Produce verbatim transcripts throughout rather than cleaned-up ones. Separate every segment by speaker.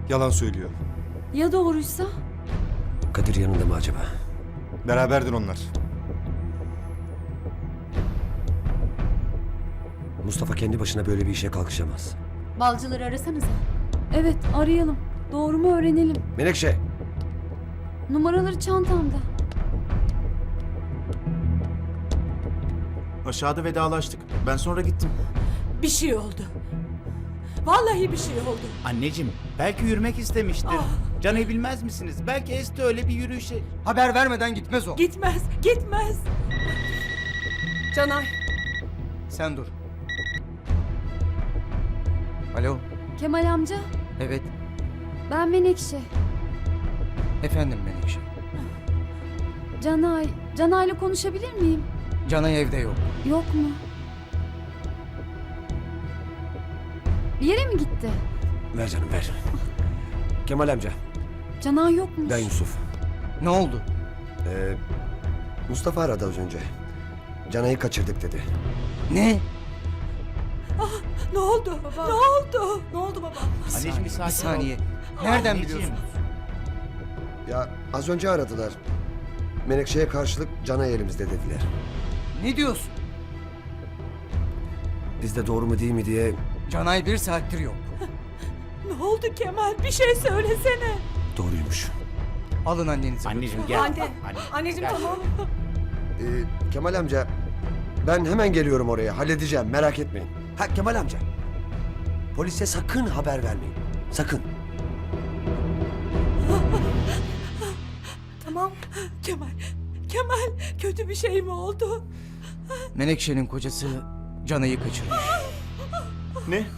Speaker 1: Yalan söylüyor.
Speaker 2: Ya doğruysa?
Speaker 3: Kadir yanında mı acaba?
Speaker 1: Beraberdir onlar.
Speaker 3: Mustafa kendi başına böyle bir işe kalkışamaz.
Speaker 4: Balcıları arasanıza.
Speaker 2: Evet, arayalım. Doğru mu öğrenelim.
Speaker 3: Menekşe!
Speaker 2: Numaraları çantamda.
Speaker 5: Aşağıda vedalaştık. Ben sonra gittim.
Speaker 6: Bir şey oldu. Vallahi bir şey oldu.
Speaker 7: Anneciğim, belki yürümek istemiştir. Can'ı bilmez misiniz? Belki Esti öyle bir yürüyüşe...
Speaker 8: Haber vermeden gitmez o.
Speaker 6: Gitmez, gitmez.
Speaker 8: Canay. Sen dur. Alo.
Speaker 2: Kemal amca,
Speaker 8: Evet.
Speaker 2: ben Menekşe.
Speaker 8: Efendim Menekşe.
Speaker 2: Canay, Canay'la konuşabilir miyim?
Speaker 8: Canay evde yok.
Speaker 2: Yok mu? Bir yere mi gitti?
Speaker 3: Ver canım ver. Kemal amca,
Speaker 2: Canay yokmuş.
Speaker 3: ben Yusuf.
Speaker 8: Ne oldu?
Speaker 3: Ee, Mustafa aradı az önce. Canay'ı kaçırdık dedi.
Speaker 8: Ne?
Speaker 6: Ne oldu? Ne oldu? Ne oldu baba?
Speaker 7: Anneciğim bir sakin
Speaker 8: Bir saniye.
Speaker 7: ol.
Speaker 8: Nereden
Speaker 7: Anneciğim.
Speaker 8: biliyorsunuz?
Speaker 3: Ya az önce aradılar. Menekşe'ye karşılık Canay elimizde dediler.
Speaker 8: Ne diyorsun?
Speaker 3: Biz de doğru mu değil mi diye...
Speaker 8: Canay bir saattir yok.
Speaker 6: Ne oldu Kemal? Bir şey söylesene.
Speaker 3: Doğruymuş.
Speaker 8: Alın annenizi.
Speaker 7: Anneciğim gel.
Speaker 6: Anne,
Speaker 7: Anne,
Speaker 6: anneciğim
Speaker 7: gel.
Speaker 6: tamam.
Speaker 3: Ee, Kemal amca, ben hemen geliyorum oraya. Halledeceğim, merak etmeyin. Ha Kemal amca, polise sakın haber vermeyin. Sakın.
Speaker 6: Tamam. Kemal, Kemal kötü bir şey mi oldu?
Speaker 8: Menekşe'nin kocası Canay'ı kaçırmış.
Speaker 5: Ne?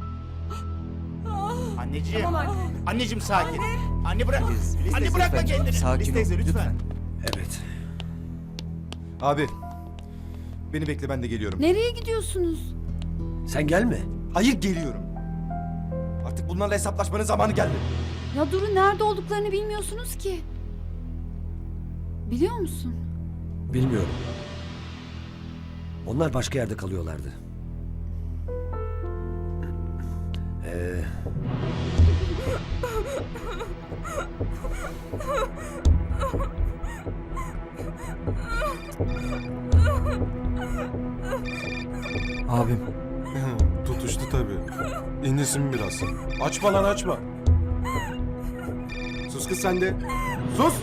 Speaker 7: Anneciğim.
Speaker 6: Tamam anne.
Speaker 7: Anneciğim sakin. Anne bırak.
Speaker 8: Filiz
Speaker 7: Anne
Speaker 8: teyze,
Speaker 7: bırakma
Speaker 8: lütfen.
Speaker 7: kendini.
Speaker 8: Sakin ol
Speaker 5: Filiz teyze, lütfen.
Speaker 3: Evet.
Speaker 1: Abi. Beni bekle, ben de geliyorum.
Speaker 2: Nereye gidiyorsunuz?
Speaker 3: Sen gelme.
Speaker 1: Hayır, geliyorum. Artık bunlarla hesaplaşmanın zamanı geldi.
Speaker 2: Ya durun, nerede olduklarını bilmiyorsunuz ki. Biliyor musun?
Speaker 3: Bilmiyorum. Onlar başka yerde kalıyorlardı. Ee...
Speaker 8: Abim.
Speaker 9: Tutuştu tabii. İndirsin biraz. Açma lan açma. Sus kız sen de. Sus!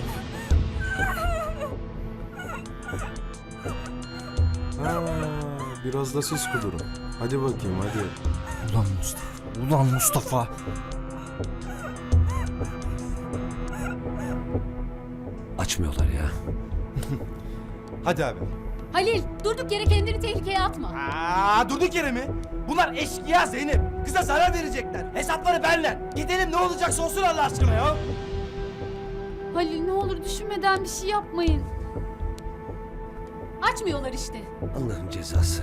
Speaker 9: Ha, biraz da siz kudurun. Hadi bakayım hadi.
Speaker 8: Ulan Mustafa. Ulan Mustafa.
Speaker 3: Açmıyorlar ya.
Speaker 1: Hadi abi.
Speaker 4: Halil, durduk yere kendini tehlikeye atma.
Speaker 10: Aa, durduk yere mi? Bunlar eşkıya Zeynep. Kıza zarar verecekler. Hesapları benle. Gidelim, ne olacaksa olsun Allah aşkına ya.
Speaker 2: Halil, ne olur düşünmeden bir şey yapmayın.
Speaker 4: Açmıyorlar işte.
Speaker 3: Allah'ın cezası.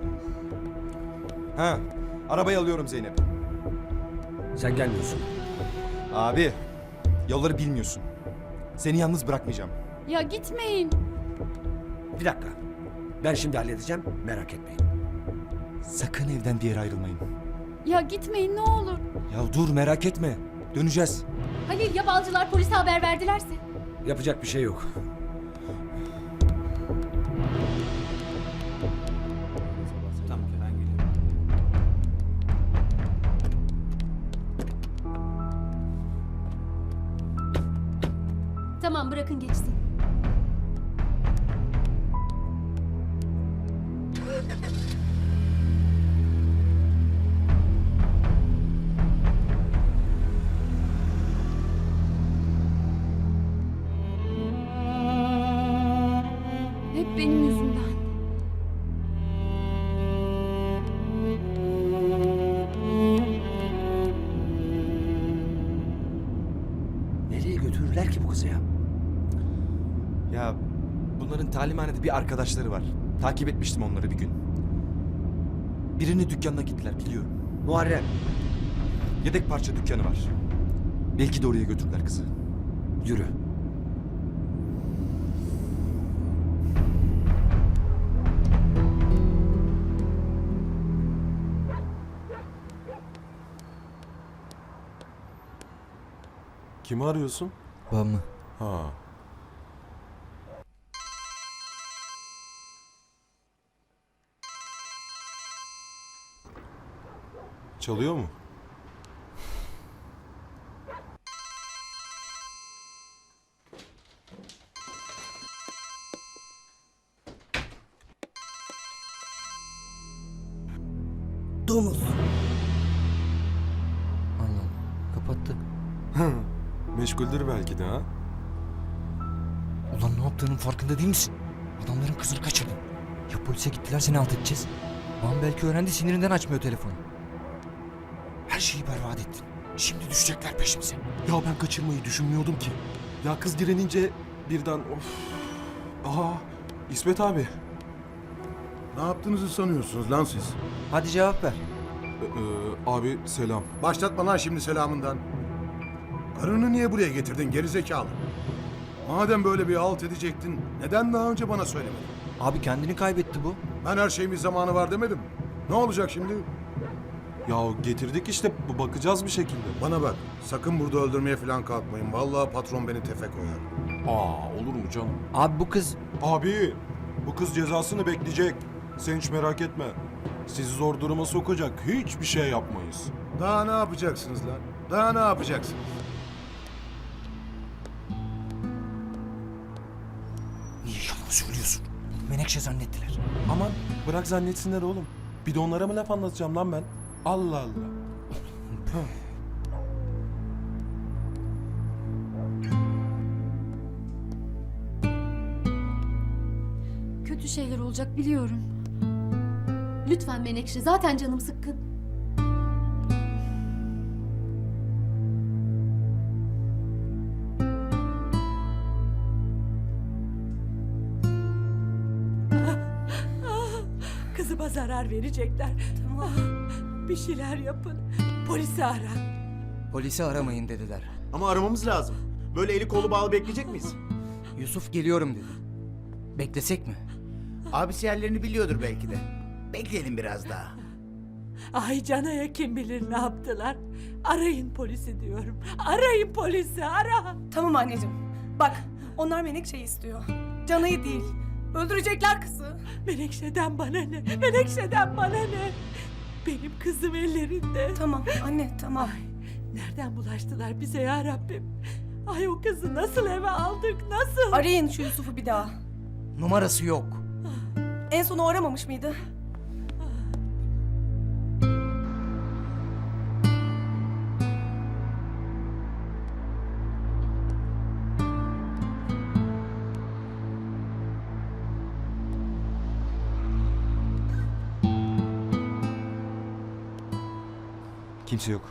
Speaker 1: Ha, arabayı alıyorum Zeynep.
Speaker 3: Sen gelmiyorsun.
Speaker 1: Abi, yolları bilmiyorsun. Seni yalnız bırakmayacağım.
Speaker 2: Ya gitmeyin.
Speaker 3: Bir dakika. Ben şimdi halledeceğim. Merak etmeyin.
Speaker 1: Sakın evden bir yere ayrılmayın.
Speaker 2: Ya gitmeyin ne olur.
Speaker 1: Ya dur, merak etme. Döneceğiz.
Speaker 4: Halil, ya balcılar polise haber verdilerse?
Speaker 3: Yapacak bir şey yok.
Speaker 7: Tamam ben geliyorum.
Speaker 4: Tamam, bırakın geçsin.
Speaker 2: Hep benim yüzümden.
Speaker 3: Nereye götürürler ki bu kızı ya?
Speaker 1: Ya bunların talimhanede bir arkadaşları var. Takip etmiştim onları bir gün. Birinin dükkanına gittiler, biliyorum.
Speaker 3: Muharrem.
Speaker 1: Yedek parça dükkanı var. Belki de oraya götürdüler kızı.
Speaker 3: Yürü.
Speaker 9: Kimi arıyorsun?
Speaker 8: Babamı.
Speaker 9: Ha. Çalıyor mu?
Speaker 6: Domuz.
Speaker 8: Allah Allah. Kapattı.
Speaker 9: Meşguldür belki de ha.
Speaker 8: Ulan ne yaptığının farkında değil misin? Adamların kızını kaçırdın. Ya polise gittiler seni alt edeceğiz. Babam belki öğrendi sinirinden açmıyor telefonu. Her şeyi berbat ettin. Şimdi düşecekler peşimize.
Speaker 9: Ya ben kaçırmayı düşünmüyordum ki. Ya kız direnince birden of. Aha İsmet abi.
Speaker 11: Ne yaptığınızı sanıyorsunuz lan siz?
Speaker 8: Hadi cevap ver.
Speaker 9: Ee, e, abi selam.
Speaker 11: Başlatma lan şimdi selamından. Karını niye buraya getirdin gerizekalı? Madem böyle bir alt edecektin, neden daha önce bana söylemedin?
Speaker 8: Abi kendini kaybetti bu.
Speaker 11: Ben her şeyin bir zamanı var demedim mi? Ne olacak şimdi?
Speaker 9: Ya getirdik işte b- bakacağız bir şekilde.
Speaker 11: Bana bak, sakın burada öldürmeye falan kalkmayın. Vallahi patron beni tefe koyar.
Speaker 9: Aa olur mu canım?
Speaker 8: Abi bu kız...
Speaker 9: Abi bu kız cezasını bekleyecek. Sen hiç merak etme. Sizi zor duruma sokacak hiçbir şey yapmayız.
Speaker 11: Daha ne yapacaksınız lan? Daha ne yapacaksınız?
Speaker 8: Niye yalan söylüyorsun? Menekşe zannettiler.
Speaker 9: Aman bırak zannetsinler oğlum. Bir de onlara mı laf anlatacağım lan ben? Allah Allah.
Speaker 2: Kötü şeyler olacak biliyorum.
Speaker 4: Lütfen Menekşe, zaten canım sıkkın.
Speaker 6: Kızıma zarar verecekler. Tamam. Bir şeyler yapın. Polisi ara.
Speaker 8: Polisi aramayın dediler.
Speaker 5: Ama aramamız lazım. Böyle eli kolu bağlı bekleyecek miyiz?
Speaker 8: Yusuf geliyorum dedi. Beklesek mi?
Speaker 7: Abisi yerlerini biliyordur belki de. Bekleyelim biraz daha.
Speaker 6: Ay Cana'ya kim bilir ne yaptılar. Arayın polisi diyorum. Arayın polisi, ara.
Speaker 12: Tamam anneciğim. Bak onlar Menekşe'yi istiyor. Canayı değil. Öldürecekler kızı.
Speaker 6: Menekşe'den bana ne? Menekşe'den bana ne? Benim kızım ellerinde.
Speaker 12: Tamam anne tamam.
Speaker 6: Nereden bulaştılar bize ya Rabbim? Ay o kızı nasıl eve aldık, nasıl?
Speaker 12: Arayın şu Yusuf'u bir daha.
Speaker 8: Numarası yok.
Speaker 12: En son o aramamış mıydı?
Speaker 1: Kimse yok.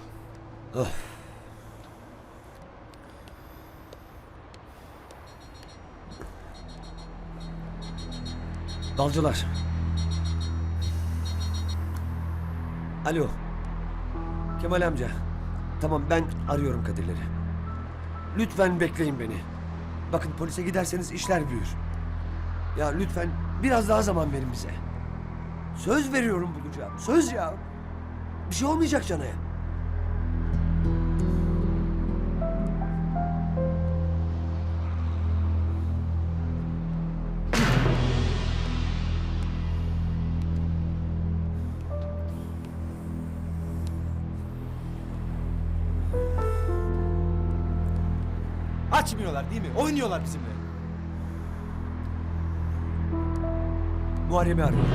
Speaker 3: Balcılar. Alo. Kemal amca. Tamam ben arıyorum Kadirleri. Lütfen bekleyin beni. Bakın polise giderseniz işler büyür. Ya lütfen biraz daha zaman verin bize. Söz veriyorum bulacağım. Söz ya. Bir şey olmayacak Cana'ya.
Speaker 10: Açmıyorlar değil mi? Oynuyorlar bizimle.
Speaker 3: Muharrem'i arıyorum.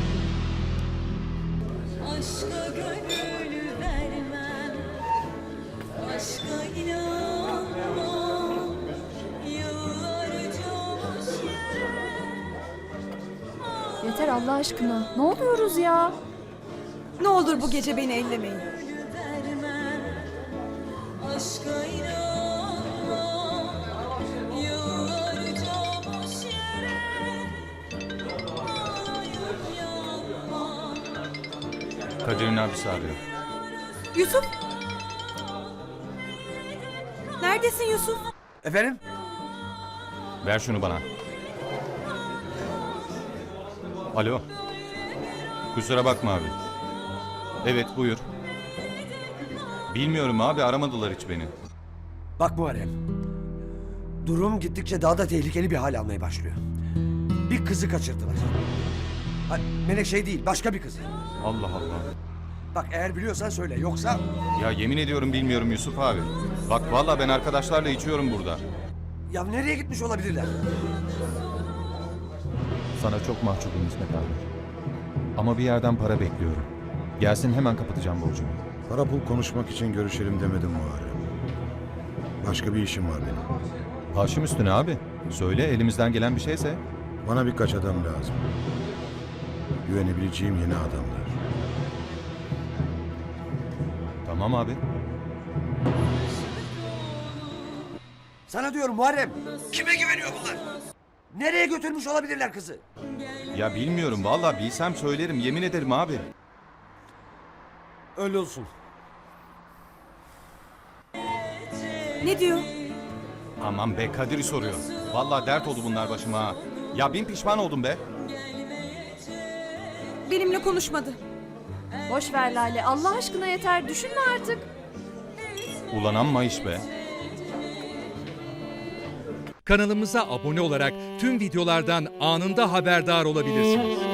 Speaker 6: Aşka gönül vermem, aşka inanmam, yıllarca boş yere.
Speaker 2: Yeter Allah aşkına. Ne oluyoruz ya?
Speaker 12: Ne olur bu gece beni ellemeyin.
Speaker 6: Vermem, aşka inanmam, yıllarca boş yere. Ağlayıp yanmam.
Speaker 7: Kadir'in abisi arıyor.
Speaker 12: Yusuf. Neredesin Yusuf?
Speaker 3: Efendim?
Speaker 7: Ver şunu bana. Alo. Kusura bakma abi. Evet buyur. Bilmiyorum abi aramadılar hiç beni.
Speaker 3: Bak Muharrem. Durum gittikçe daha da tehlikeli bir hal almaya başlıyor. Bir kızı kaçırdılar. Ha, Menekşe değil, başka bir kızı.
Speaker 13: Allah Allah.
Speaker 3: Bak eğer biliyorsan söyle, yoksa...
Speaker 13: Ya yemin ediyorum bilmiyorum Yusuf abi. Bak vallahi ben arkadaşlarla içiyorum burada.
Speaker 3: Ya nereye gitmiş olabilirler?
Speaker 13: Sana çok mahcubum İsmet abi. Ama bir yerden para bekliyorum. Gelsin hemen kapatacağım borcumu.
Speaker 11: Para pul konuşmak için görüşelim demedim Muharrem. Başka bir işim var benim.
Speaker 13: Başım üstüne abi. Söyle elimizden gelen bir şeyse.
Speaker 11: Bana birkaç adam lazım. Güvenebileceğim yeni adamlar.
Speaker 13: Tamam abi.
Speaker 3: Sana diyorum Muharrem. Kime güveniyor bunlar? Nereye götürmüş olabilirler kızı?
Speaker 13: Ya bilmiyorum vallahi bilsem söylerim yemin ederim abi.
Speaker 3: Öyle olsun.
Speaker 12: Ne diyor?
Speaker 13: Aman be Kadir'i soruyor. Vallahi dert oldu bunlar başıma ha. Ya bin pişman oldum be.
Speaker 12: Benimle konuşmadı.
Speaker 2: Boş ver Lale. Allah aşkına yeter. Düşünme artık.
Speaker 13: Ulan amma iş be.
Speaker 14: Kanalımıza abone olarak tüm videolardan anında haberdar olabilirsiniz.